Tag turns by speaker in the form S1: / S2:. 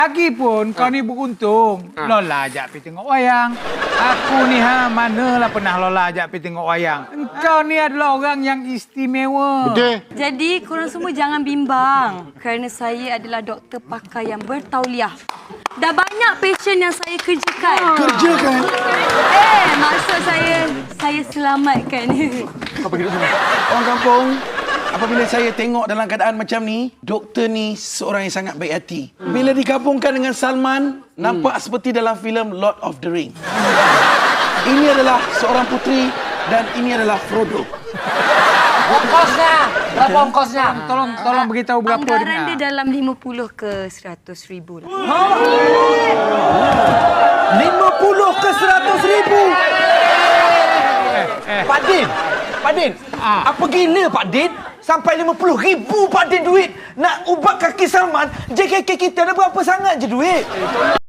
S1: Lagipun kau ni beruntung. Lola ajak pergi tengok wayang. Aku ni manalah pernah Lola ajak pergi tengok wayang. Engkau ni adalah orang yang istimewa.
S2: Betul.
S3: Jadi, korang semua jangan bimbang. Kerana saya adalah doktor pakar yang bertauliah. Dah banyak pasien yang saya kerjakan.
S2: Kerjakan?
S3: Maksud saya selamatkan.
S4: Orang kampung, apabila saya tengok dalam keadaan macam ni, doktor ni seorang yang sangat baik hati. Bila digabungkan dengan Salman, nampak seperti dalam filem Lord of the Ring. Ini adalah seorang puteri dan ini adalah Frodo.
S5: Ongkosnya. Berapa ongkosnya?
S1: Tolong beritahu berapa
S3: Anggaran dia
S1: dia.
S3: dalam 50 ke 100 ribu lah.
S4: 50 ke 100 ribu.
S5: Pak Din, apa gila Pak Din? Sampai 50,000 Pak Din duit nak ubat kaki Salman. JKK kita ada berapa sangat je duit?